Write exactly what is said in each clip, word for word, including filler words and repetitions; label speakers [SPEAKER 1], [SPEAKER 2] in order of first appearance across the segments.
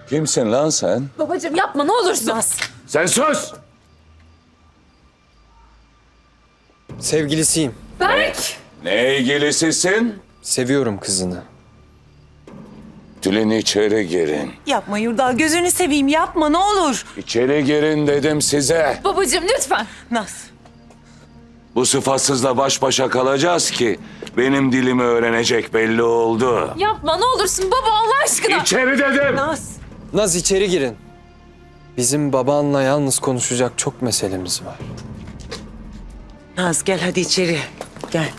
[SPEAKER 1] Kimsin lan sen?
[SPEAKER 2] Babacığım yapma ne olursun.
[SPEAKER 3] Naz.
[SPEAKER 1] Sen sus!
[SPEAKER 4] Sevgilisiyim.
[SPEAKER 2] Berk!
[SPEAKER 1] Ne ilgilisisin?
[SPEAKER 4] Seviyorum kızını.
[SPEAKER 1] Tülin içeri girin.
[SPEAKER 3] Yapma Yurdal, gözünü seveyim yapma ne olur.
[SPEAKER 1] İçeri girin dedim size.
[SPEAKER 2] Babacığım lütfen.
[SPEAKER 3] Naz.
[SPEAKER 1] Bu sıfatsızla baş başa kalacağız ki benim dilimi öğrenecek belli oldu.
[SPEAKER 2] Yapma ne olursun baba Allah aşkına.
[SPEAKER 1] İçeri dedim.
[SPEAKER 3] Naz.
[SPEAKER 4] Naz içeri girin. Bizim babanla yalnız konuşacak çok meselemiz var.
[SPEAKER 3] Naz gel hadi içeri. Gel.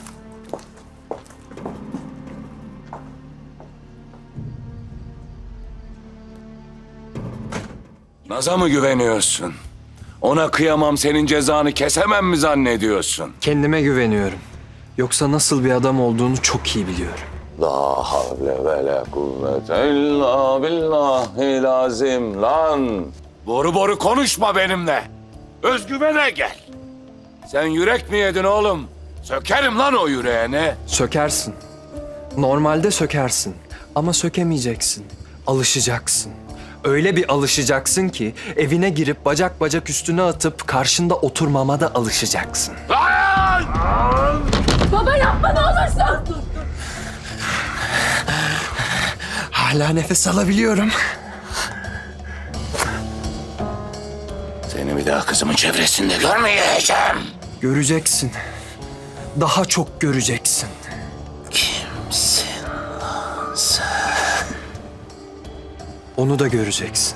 [SPEAKER 1] Naz'a mı güveniyorsun? Ona kıyamam, senin cezanı kesemem mi zannediyorsun?
[SPEAKER 4] Kendime güveniyorum. Yoksa nasıl bir adam olduğunu çok iyi biliyorum.
[SPEAKER 1] La havle ve la kuvvete illa billahil azim lan. Boru boru konuşma benimle. Özgüvene gel. Sen yürek mi yedin oğlum? Sökerim lan o yüreğini.
[SPEAKER 4] Sökersin. Normalde sökersin. Ama sökemeyeceksin. Alışacaksın. Öyle bir alışacaksın ki evine girip bacak bacak üstüne atıp karşında oturmama da alışacaksın.
[SPEAKER 1] Lan!
[SPEAKER 2] Baba yapma ne olursun.
[SPEAKER 4] Hala nefes alabiliyorum.
[SPEAKER 1] Seni bir daha kızımın çevresinde görmeyeceğim.
[SPEAKER 4] Göreceksin. Daha çok göreceksin.
[SPEAKER 1] Kimsin?
[SPEAKER 4] Onu da göreceksin.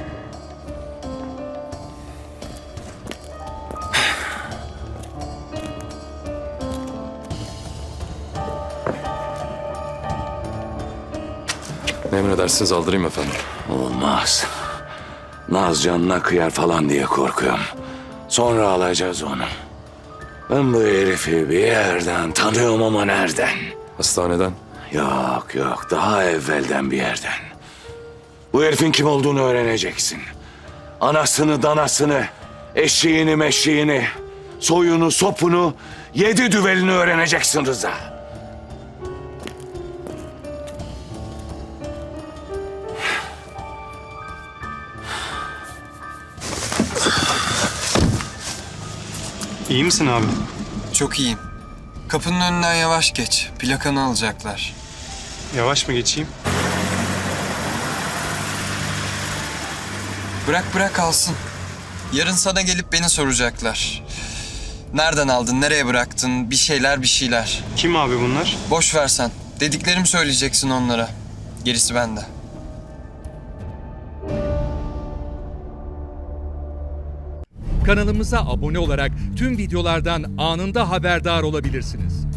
[SPEAKER 5] Ne emredersiniz, aldırayım efendim.
[SPEAKER 1] Olmaz. Naz canına kıyar falan diye korkuyorum. Sonra alacağız onu. Ben bu herifi bir yerden tanıyorum ama nereden?
[SPEAKER 5] Hastaneden.
[SPEAKER 1] Yok yok, daha evvelden bir yerden. Bu herifin kim olduğunu öğreneceksin. Anasını, danasını, eşeğini, meşeğini, soyunu, sopunu, yedi düvelini öğreneceksin Rıza.
[SPEAKER 6] İyi misin abi?
[SPEAKER 4] Çok iyiyim. Kapının önünden yavaş geç. Plakanı alacaklar.
[SPEAKER 6] Yavaş mı geçeyim?
[SPEAKER 4] Bırak bırak alsın. Yarın sana gelip beni soracaklar. Nereden aldın, nereye bıraktın, bir şeyler bir şeyler.
[SPEAKER 6] Kim abi bunlar?
[SPEAKER 4] Boş ver sen. Dediklerimi söyleyeceksin onlara. Gerisi bende.
[SPEAKER 7] Kanalımıza abone olarak tüm videolardan anında haberdar olabilirsiniz.